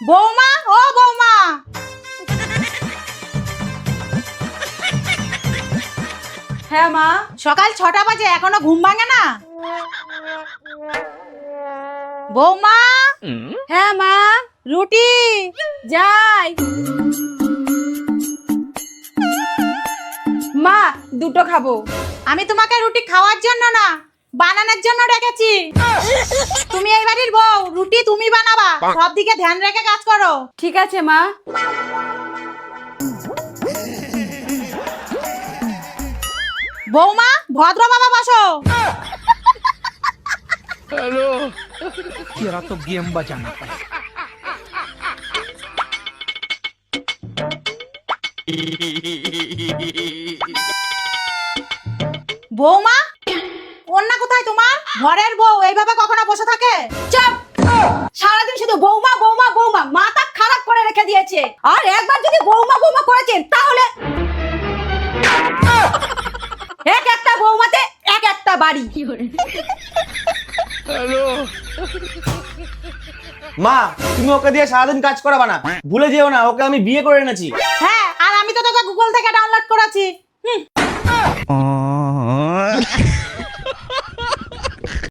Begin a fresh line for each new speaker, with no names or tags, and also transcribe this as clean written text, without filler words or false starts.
বৌমা, ও বৌমা।
হ্যাঁ মা।
সকাল 6টা বাজে, এখনো ঘুম ভাঙে না? বৌমা।
হ্যাঁ মা।
রুটি।
যাই। মা, দুটো খাবো।
আমি তোমাকে রুটি খাওয়ার জন্য না, বানানোর জন্য ডেকেছি। তুমি এই বাড়ির বউ, রুটি তুমি বানাবা, সব দিকে ধ্যান রেখে কাজ করো।
ঠিক আছে মা।
বৌমা, ভদ্র বাবা বসো।
हेलो तेरा तो गेम बजाना पड़ेगा।
বৌমা, অন্য কোথায় তোমার? ঘরের বউ এইভাবে কখনো বসে থাকে?
চুপ। সারাদিন শুধু বৌমা বৌমা বৌমা, মাথা খারাপ করে রেখে দিয়েছে। আর একবার যদি বৌমা বৌমা করেছেন তাহলে এক একটা বৌমাতে এক একটা বাড়ি।
हेलो
মা, তুমি ওকে দিয়ে সারাদিন কাজ করাবা না, ভুলে যেও না ওকে আমি বিয়ে করে এনেছি।
হ্যাঁ, আর আমি তো তোকে গুগল থেকে ডাউনলোড করেছি।